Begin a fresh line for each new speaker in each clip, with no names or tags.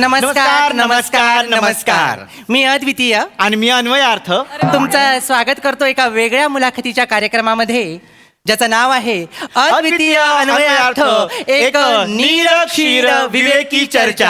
नमस्कार नमस्कार नमस्कार.
मी अद्वितीय
आणि मी अन्वयार्थ.
तुमचं स्वागत करतो एका वेगळ्या मुलाखतीच्या कार्यक्रमामध्ये ज्याचं नाव आहे अद्वितीय अन्वयार्थ, एक निरक्षीर विवेकी चर्चा.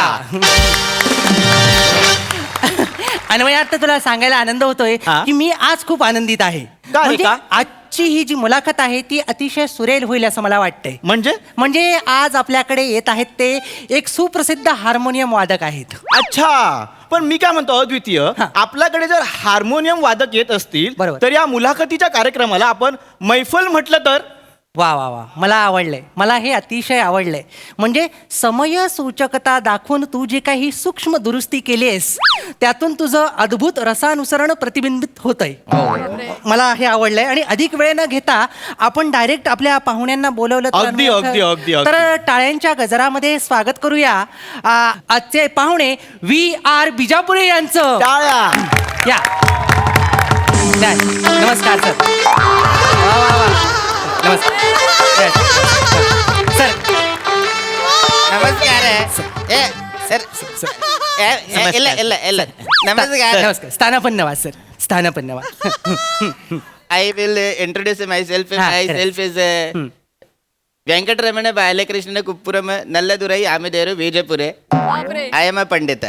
अन्वयार्थ, तुला सांगायला आनंद होतोय की मी आज खूप आनंदित आहे. म्हणजे आजची ही जी मुलाखत आहे ती अतिशय सुरेल होईल असं मला वाटतंय. म्हणजे आज आपल्याकडे येत आहेत ते एक सुप्रसिद्ध हार्मोनियम वादक आहेत.
अच्छा, पण मी काय म्हणतो अद्वितीय, आपल्याकडे जर हार्मोनियम वादक येत असतील तर या मुलाखतीच्या कार्यक्रमाला आपण मैफल म्हटलं तर?
वा वा वा, मला आवडलंय. मला हे अतिशय आवडलंय. म्हणजे समय सूचकता दाखवून तू जे काही सूक्ष्म दुरुस्ती केली आहेस त्यातून तुझं अद्भुत रसानुसरण प्रतिबिंबित होतंय. मला हे आवडलंय. आणि अधिक वेळ न घेता आपण डायरेक्ट आपल्या पाहुण्यांना बोलवलं तर टाळ्यांच्या गजरामध्ये स्वागत करूया आजचे पाहुणे VR बिजापुरे यांचं.
टाळ्या.
या. नमस्कार सर. वा वा वा. नमस्कार सर.
नमस्कार सर.
नमस्कार. स्थानपन्नवाद सर. स्थानपन्नवाद.
I will introduce myself. Myself is Venkatraman Balakrishna Kuppuram Nalladurai Amideru Vijaypure. I am a Pandita.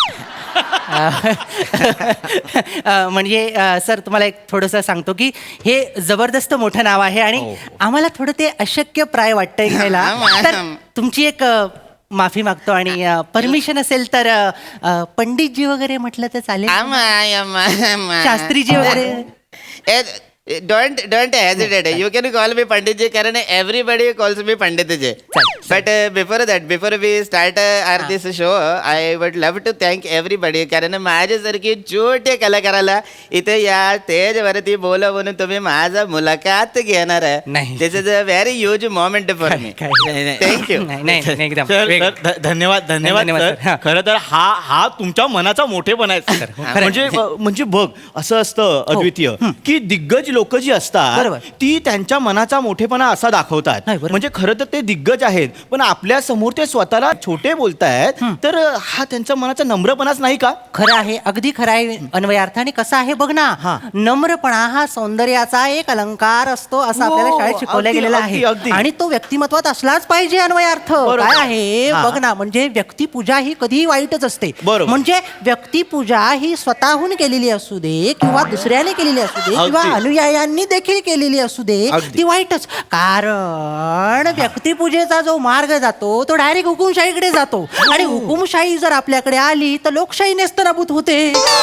म्हणजे सर, तुम्हाला एक थोडंसं सांगतो की हे जबरदस्त मोठं नाव आहे आणि आम्हाला थोडं ते अशक्य प्राय वाटतंय घ्यायला. तर तुमची एक माफी मागतो आणि परमिशन असेल तर पंडितजी वगैरे म्हटलं तर चालेल? शास्त्रीजी वगैरे?
Don't hesitate. You can call me Panditji. Karan everybody calls me Panditji. But before we start this show, I would love to thank everybody. कारण माझ्यासारखी छोटे कलाकाराला इथे या स्टेजवरती बोलवून तुम्ही माझा मुलाखत घेणार आहे. This is a very huge moment for me. Thank you.
धन्यवाद धन्यवाद. खरं तर हा तुमच्या मनाचा मोठेपणा आहे. म्हणजे बघ, असं असतं अद्वितीय की दिग्गज लोक जी असतात ती त्यांच्या मनाचा मोठेपणा असा दाखवतात. म्हणजे खरं तर ते दिग्गज आहेत, पण आपल्या समोर ते स्वतःला छोटे बोलतायत, तर हा त्यांच्या मनाचा नम्रपणाच नाही का?
खरं आहे, अगदी खरं आहे अन्वयार्थ. आणि कसं आहे बघ ना, नम्रपणा हा सौंदर्याचा एक अलंकार असतो असं आपल्याला शाळेत शिकवलं गेलेलं आहे. आणि तो व्यक्तिमत्वात असलाच पाहिजे अन्वयार्थ. काय आहे बघ ना, म्हणजे व्यक्तिपूजा ही कधीही वाईटच असते. म्हणजे व्यक्तिपूजा ही स्वतःहून केलेली असू दे किंवा दुसऱ्याने केलेली असू दे किंवा अनुयायांनी देखील केलेली असू दे, ती वाईटच. कारण व्यक्तिपूजेचा जो मार्ग जातो तो डायरेक्ट हुकुमशाहीकडे जातो. आणि हुकुमशाही जर आपल्याकडे आली तर लोकशाही नेस्तनाबूत होते.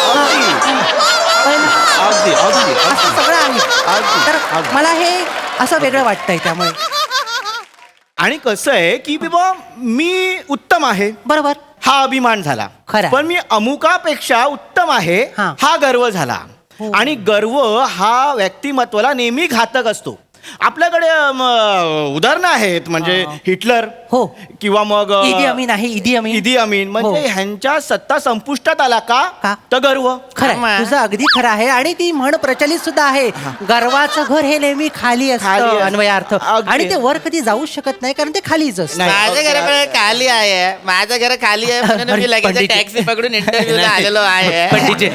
असं सगळं आहे. तर मला हे असं वेगळं वाटतंय. त्यामुळे
आणि कसं आहे की बाबा मी उत्तम आहे, बरोबर, हा अभिमान झाला. पण मी अमुकापेक्षा उत्तम आहे हा गर्व झाला. आणि गर्व हा व्यक्तिमत्वाला नेहमी घातक असतो. आपल्याकडे उदाहरणं आहेत, म्हणजे हिटलर किंवा मग इदी अमीन. म्हणजे ह्यांच्या सत्ता संपुष्टात आला का तर गर्व.
खरं, तुझं अगदी खरं आहे. आणि ती म्हण प्रचलित सुद्धा आहे, गर्वाचं घर हे नेहमी खाली असतं अन्वयार्थ. आणि ते वर कधी जाऊ शकत नाही कारण ते खालीच असतं.
माझ्या घर खाली आहे, माझं घर खाली आहे म्हणून मी लगेच टॅक्सी पकडून इंटरव्ह्यूला आलेलो आहे.
पंडितजी,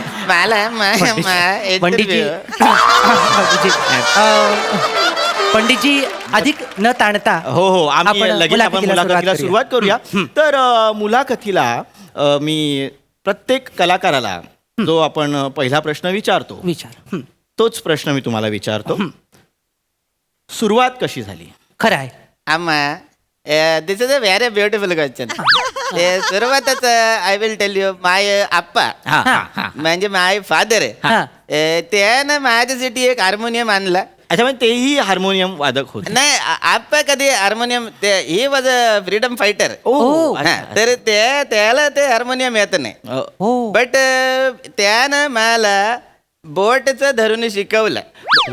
पंडितजी, अधिक न ताणता
आपण मुलाखतीला सुरुवात करूया. तर मुलाखतीला मी प्रत्येक कलाकाराला जो आपण पहिला प्रश्न विचारतो तोच प्रश्न मी तुम्हाला विचारतो. सुरुवात कशी झाली?
खरं आहे
आम्हा, this is a very beautiful question. सुरुवातच I will tell you, my आप्पा म्हणजे माय फादर, त्यानं माझ्यासाठी एक हार्मोनियम आणला.
अच्छा, म्हणजे तेही हार्मोनियम वादक होते?
नाही, आप्पा कधी harmonium, he was a freedom fighter. तर त्याला ते हार्मोनियम येत नाही. बट त्यानं मला बोटचं धरून शिकवलं.
वा.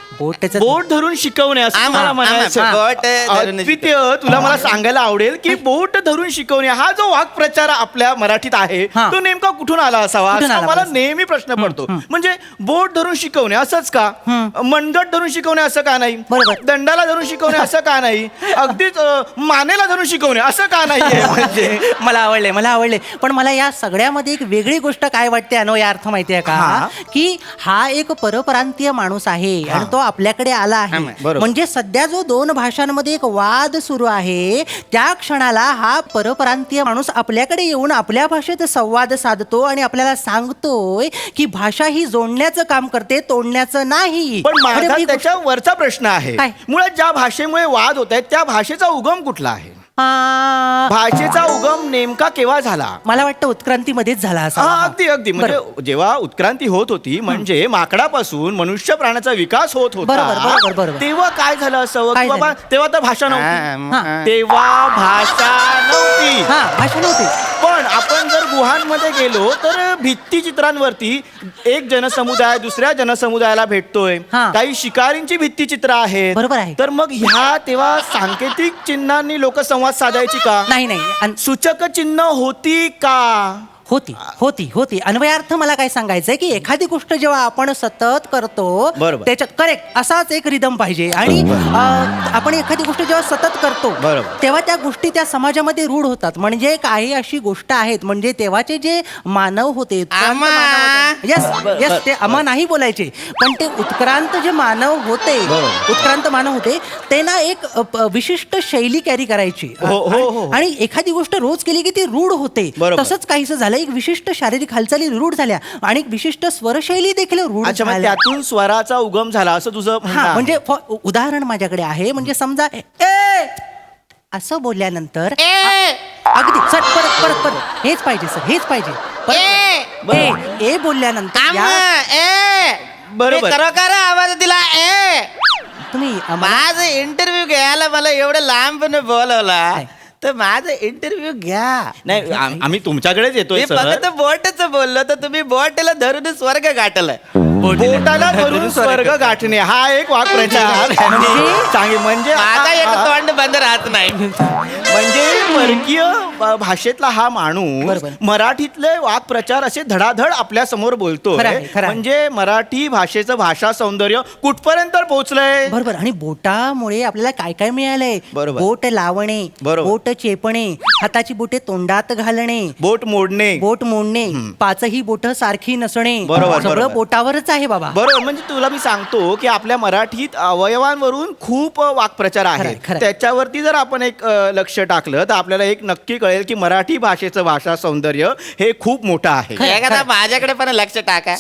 बोटचं
बोट धरून शिकवणे असं
आम-
मला
आम-
म्हणायचं.
आम- बोट धरून
अद्वितीय, तुला मला सांगायला आवडेल की बोट धरून शिकवणे हा जो वाक्प्रचार आपल्या मराठीत आहे
हा.
तो नेमका कुठून आला असावा
कुठून
असा
आला
मला
पाहिजे?
नेहमी प्रश्न पडतो. म्हणजे बोट धरून शिकवणे असंच का, मनगट धरून शिकवणे असं का नाही,
बरोबर.
दंडाला धरून शिकवणे असं का नाही, अगदीच मानेला धरून शिकवणे असं का नाहीये म्हणजे
मला आवडले पण मला या सगळ्यामध्ये एक वेगळी गोष्ट काय वाटते अर्थ माहितीये का,
हा.
की हा एक परप्रांतीय माणूस आहे आणि तो आपल्याकडे आला आहे.
बरोबर.
म्हणजे सध्या जो 2 भाषांमध्ये एक वाद सुरू आहे त्या क्षणाला हा परप्रांतीय माणूस आपल्याकडे येऊन आपल्या भाषेत संवाद साधतो आणि आपल्याला सांगतोय की भाषा ही जोडण्याचं काम करते, तोडण्याचं नाही.
पण
अरे,
माझा
ही गोष्ट-
त्याच्या वरचा प्रश्न आहे,
काय?
मुळात ज्या भाषेमुळे वाद होत आहेत त्या भाषेचा उगम कुठला आहे,
आ,
भाषेचा उगम नेमका केव्हा झाला.
मला वाटतं उत्क्रांतीमध्येच झाला
हा,
असा.
अगदी म्हणजे जेव्हा उत्क्रांती होत होती म्हणजे माकडापासून मनुष्य प्राण्याचा विकास होत
बरोबर.
तेव्हा काय झालं असावं
काय
की बाबा
झालं?
तेव्हा तर भाषा नव्हती,
हा.
तेव्हा भाषा नव्हती.
हा, भाषा नव्हती.
पण आपण जर गुहांमध्ये गेलो तर भित्तिचित्रांवरती एक जनसमुदाय दुसऱ्या जनसमुदायाला भेटतोय,
हा.
काही शिकारींची भित्तिचित्र आहेत.
बरोबर आहे.
तर मग ह्या तेव्हा सांकेतिक चिन्हांनी लोक संवाद साधायची का,
नाही
सूचक चिन्ह होती का.
होती अन्वयार्थ मला काय सांगायचंय की एखादी गोष्ट जेव्हा आपण सतत करतो
बरोबर.
त्याच्यात करेक्ट असाच एक रिदम पाहिजे आणि आपण एखादी गोष्ट जेव्हा सतत करतो
बरोबर.
तेव्हा त्या गोष्टी त्या समाजामध्ये रूढ होतात. म्हणजे काही अशी गोष्ट आहेत म्हणजे तेव्हाचे जे मानव होते
आमा.
यस ते अमा नाही बोलायचे पण ते उत्क्रांत जे मानव होते
बरोबर.
उत्क्रांत मानव होते ते ना एक विशिष्ट शैली कॅरी करायची
हो.
आणि एखादी गोष्ट रोज केली की ती रूढ होते.
बरोबर.
तसंच काहीसं झालं, एक विशिष्ट शारीरिक हालचाली रूढ झाल्या आणि एक विशिष्ट स्वरशैली देखील रूढ
अच्छा, मग
झाल्या.
त्यातून स्वराचा उगम झाला असं तुझं म्हणणं
हा
आहे.
म्हणजे उदाहरण माझ्याकडे आहे. म्हणजे समजा ए असं बोलल्यानंतर अगदी सर परत हेच पाहिजे सर, हेच पाहिजे परत. ए बोलल्यानंतर
बरोबर.
खरोखर आवाज दिला
तुम्ही
माझं इंटरव्ह्यू घ्यायला मला एवढं लांबपणे बोलवला तर माझं इंटरव्ह्यू घ्या.
नाही आम्ही तुमच्याकडेच येतोय
मी
सर.
फक्त बोटच बोललो तर तुम्ही बोटला धरून स्वर्ग गाठलं.
बोटाला धरून स्वर्ग गाठणे हा एक वाक्प्रचार म्हणजे
माझा एक तोंड बंद राहत नाही.
म्हणजे परकीय भाषेतला हा माणूस
बरोबर.
मराठीतले वाक्प्रचार असे धडाधड आपल्या समोर बोलतोय.
खरं आहे.
म्हणजे मराठी भाषेचं भाषा सौंदर्य कुठपर्यंत पोहोचलंय.
बरोबर. आणि बोटामुळे आपल्याला काय काय मिळालंय.
बरोबर.
बोट लावणे,
बरोबर.
बोट चेपणे, हाताची बोटे तोंडात घालणे,
बोट मोडणे,
बोट मोडणे, पाचही बोट सारखी नसणे,
बरोबर,
सगळं
बरोबर.
बोटावरच आहे बाबा.
बरोबर. म्हणजे तुला मी सांगतो की आपल्या मराठीत अवयवांवरून खूप वाक्प्रचार आहेत.
खरंय.
त्याच्यावरती जर आपण एक लक्ष टाकलं तर आपल्याला एक नक्की कळेल की मराठी भाषेचं भाषा सौंदर्य हे खूप मोठं आहे.
एखादा माझ्याकडे पण लक्ष टाका.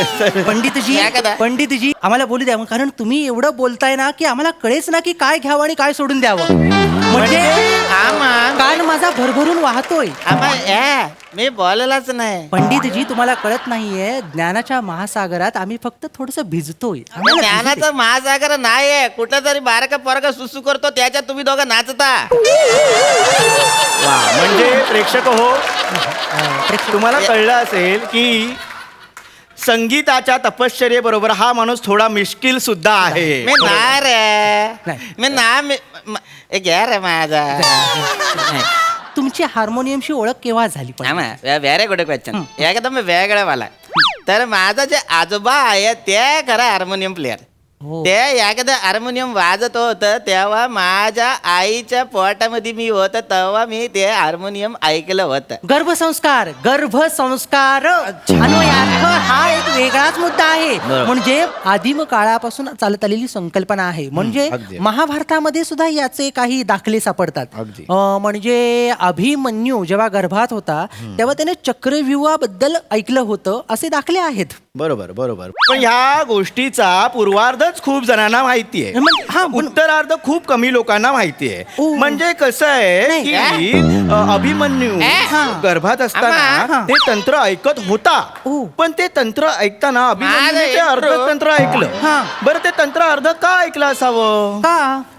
पंडितजी आम्हाला बोलू द्या कारण तुम्ही एवढं बोलताय ना की आम्हाला कळेच ना की काय घ्यावं आणि काय सोडून द्यावं. म्हणजे कान माझा भरभरून वाहतोय.
मी बोललाच नाही.
पंडितजी तुम्हाला कळत नाहीये ज्ञानाच्या महासागरात आम्ही फक्त थोडस भिजतोय. आम्हाला
ज्ञानाचा महासागर नाहीये. कुठं तरी बारका पोरगा सुसू करतो त्याच्यात तुम्ही दोघं नाचता.
वा, म्हणजे प्रेक्षक हो तुम्हाला कळलं असेल की संगीताच्या तपश्चर्येबरोबर हा माणूस थोडा मिश्किल सुद्धा आहे.
मी नाही रे.
नाही.
मी ना घ्या रे माझा.
तुमची हार्मोनियमशी ओळख केव्हा झाली पण?
Very good question. एकदम वेगळं वाला. तर माझा जे आजोबा आहे ते खरं हार्मोनियम प्लेअर.
हो.
ते एखादं हार्मोनियम वाजत होतं तेव्हा माझ्या आईच्या पोटामध्ये मी होतं तेव्हा मी ते हार्मोनियम ऐकलं होतं.
गर्भसंस्कार अन्वयार्थ हा एक वेगळाच मुद्दा आहे. म्हणजे आदिम काळापासून चालत आलेली संकल्पना आहे. म्हणजे
अगदी.
महाभारतामध्ये सुद्धा याचे काही दाखले सापडतात.
अगदी.
म्हणजे अभिमन्यू जेव्हा गर्भात होता तेव्हा त्याने चक्रव्यूहाबद्दल ऐकलं होतं असे दाखले आहेत.
बरोबर. पण ह्या गोष्टीचा पूर्वार्धच खूप जणांना माहितीये. उत्तरार्ध खूप कमी लोकांना माहितीये. म्हणजे कसं आहे की अभिमन्यू गर्भात असताना ते तंत्र ऐकत होता. पण ते तंत्र ऐकताना अभिमन्यूने ते अर्ध तंत्र ऐकलं. बरं ते तंत्र अर्ध का ऐकलं असावं?
का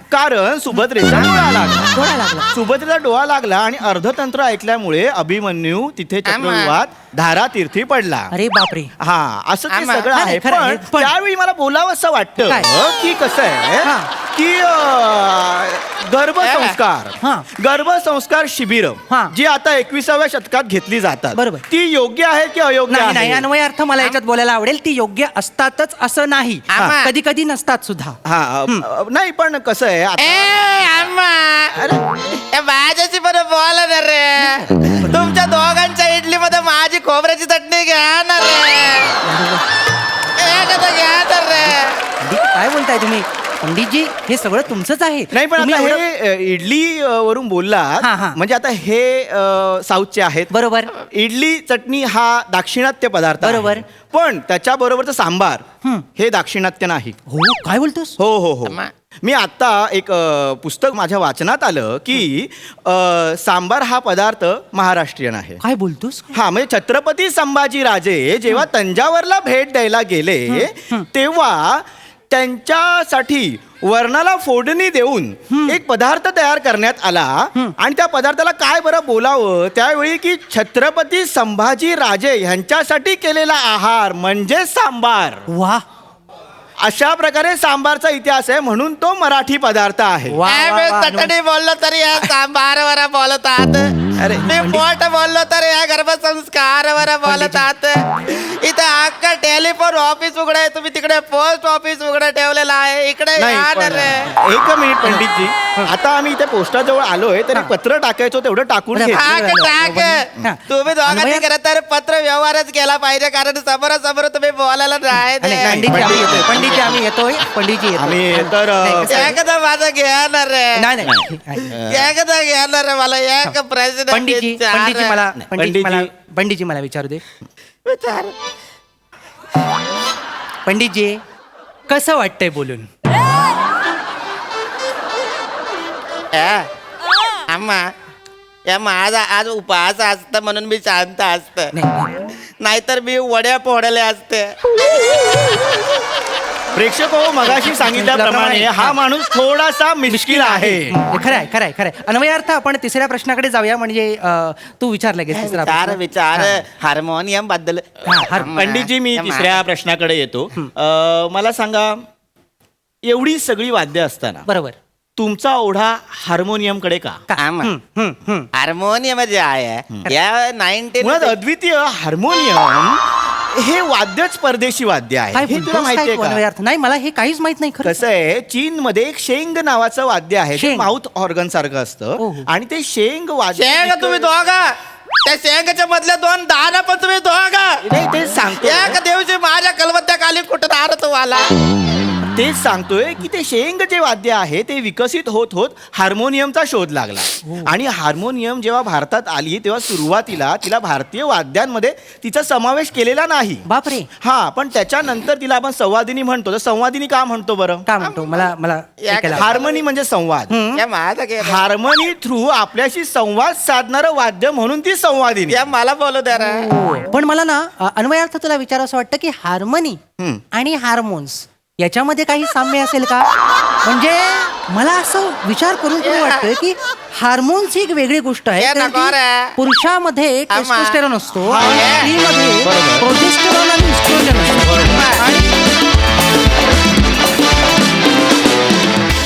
कारण सुभद्रेचा डोळा लागला.
डोळा लागला.
सुभद्रेचा डोळा लागला आणि अर्धतंत्र ऐकल्यामुळे अभिमन्यू तिथे चक्रव्यूहात धारातीर्थी पडला.
अरे बापरे.
हा असं ते
आम्हा-
सगळं
हा,
आहे.
नाही, खरं आहे.
पण त्यावेळी मला बोलावं असं वाटतं
काय?
की कसं आहे
हा.
की गर्भसंस्कार
हा.
गर्भसंस्कार शिबिर
हा.
जी आता 21व्या शतकात घेतली जातात
बरोबर.
ती योग्य आहे की अयोग्य
नाही नाही
आहे?
अन्वय अर्थ मला याच्यात बोलायला आवडेल. ती योग्य असतातच असं नाही.
आम्हा.
कधी कधी नसतात सुद्धा.
हा नाही पण कसं आहे
माझ्याशी पण बोला ना रे. तुमच्या दोघांच्या इडली मध्ये माझी खोबऱ्याची चटणी घ्या ना रे. एखादं घ्या ना रे.
पंडित, काय बोलताय तुम्ही? पंडितजी हे सगळं तुमचंच आहे.
नाही पण
तुम्ही
आता
एवढं-
हे इडली वरून बोललात
हा, हा.
म्हणजे आता हे साऊथचे आहेत.
बरोबर.
इडली चटणी हा दाक्षिणात्य पदार्थ आहे.
बरोबर.
पण त्याच्याबरोबरचं सांबार हे दाक्षिणात्य नाही.
हो काय बोलतोस?
हो हो हो
अम्मा.
मी आता एक पुस्तक माझ्या वाचनात आलं की सांबार हा पदार्थ महाराष्ट्रीयन आहे.
काय बोलतोस?
हा म्हणजे छत्रपती संभाजी राजे जेव्हा तंजावरला भेट द्यायला गेले तेव्हा त्यांच्यासाठी वर्णाला फोडणी देऊन एक पदार्थ तयार करण्यात आला आणि त्या पदार्थाला काय बरं बोलावं त्यावेळी की छत्रपती संभाजी राजे यांच्यासाठी केलेला आहार म्हणजे सांबार.
वा
अशा प्रकारे सांबारचा इतिहास आहे म्हणून तो मराठी पदार्थ आहे.
वा, वा, वा,
चटणी बोललो तरी या सांबारवर बोलतात.
अरे,
मी पोट बोललो तर या गर्भसंस्कारवर बोलतात. इथे अख्खा टेलिफोन ऑफिस उघड आहे. तुम्ही तिकडे पोस्ट ऑफिस उघड ठेवलेलं आहे. इकडे
नाही
या ना
पण,
रे.
एक मिनिट पंडितजी आता आम्ही इथे पोस्टाजवळ आलोय तरी पत्र टाकायचो तेवढं टाकून
बरं,
घे.
टाक. तुम्ही दोघांनी
अन्वय-
खरं तर पत्र व्यवहारच केला पाहिजे कारण समोरासमोर तुम्ही बोलायला नाही
आणि
दे.
पंडितजी आम्ही येतोय. पंडितजी आम्ही येतोय. पंडितजी येतोय.
आम्ही तर
नाही, कसं आहे?
एकदा माझं घ्या ना रे.
नाही नाही
एकदा घ्या ना रे. मला एक प्रश्न
पंडितजी
विचारा.
पंडितजी मला विचारू दे.
विचार.
पंडितजी कसं वाटतंय बोलून?
आम्हा या माझा आज उपवास असत म्हणून मी शांत असत. नाहीतर मी वड्या पोहडले असते.
प्रेक्षक हो मगाशी सांगितल्याप्रमाणे हा माणूस थोडासा मिश्किल आहे.
खरंय खरंय खरंय. अन्वयार्थ आपण तिसऱ्या प्रश्नाकडे जाऊया म्हणजे तू विचारलं गे तिसरा
विचार
प्रश्न.
विचार हार्मोनियम बद्दल.
पंडितजी मी तिसऱ्या प्रश्नाकडे येतो. मला सांगा एवढी सगळी वाद्य असताना
बरोबर
तुमचा ओढा हार्मोनियमकडे का?
हार्मोनियम जे आहे या 19
मुळात अद्वितीय हार्मोनियम हे वाद्यच परदेशी वाद्य आहे.
काय
हे तुला
बोलतोस?
माहितीये
काय
का?
अन्वयार्थ? नाही मला हे काहीच माहित नाही खरं.
कसं आहे चीन मध्ये एक शेंग नावाचं वाद्य आहे. ते
शेंग.
माउथ ऑर्गन सारखं असतं
हो.
आणि ते शेंग वाद्य
शेंग तुम्ही दोघा त्या शेंगाच्या मधल्या 2 दाना पण तुम्ही दोघा
नाही तेच सांगतोय
एक दिवशी माझ्या कलबत्त्याखाली कुठं दार तो आला.
तेच सांगतोय की ते शेंग जे वाद्य आहे ते विकसित होत होत हार्मोनियमचा शोध लागला. आणि हार्मोनियम जेव्हा भारतात आली तेव्हा सुरुवातीला तिला भारतीय वाद्यांमध्ये तिचा समावेश केलेला नाही.
बापरे.
हा पण त्याच्यानंतर तिला आपण संवादिनी म्हणतो. तर संवादिनी का म्हणतो बरं?
का म्हणतो मला ऐकायला आवडेल.
हार्मनी म्हणजे संवाद.
या माझा गेला.
हार्मनी थ्रू आपल्याशी संवाद साधणारं वाद्य म्हणून ती संवादिनी.
या मला बोलू द्या रे.
पण मला ना अन्वयार्थ तुला विचार असं वाटतं की हार्मनी आणि हार्मोन्स याच्यामध्ये काही साम्य असेल का? म्हणजे मला असं विचार करून तुम्ही वाटतंय की हार्मोन्स ही एक वेगळी गोष्ट आहे.
हे
कारण
नको
की
रे.
पुरुषामध्ये टेस्टोस्टेरॉन असतो
हा,
आणि स्त्रीमध्ये
बरोबर.
प्रोजेस्टेरॉन आणि इस्ट्रोजन असतो. आणि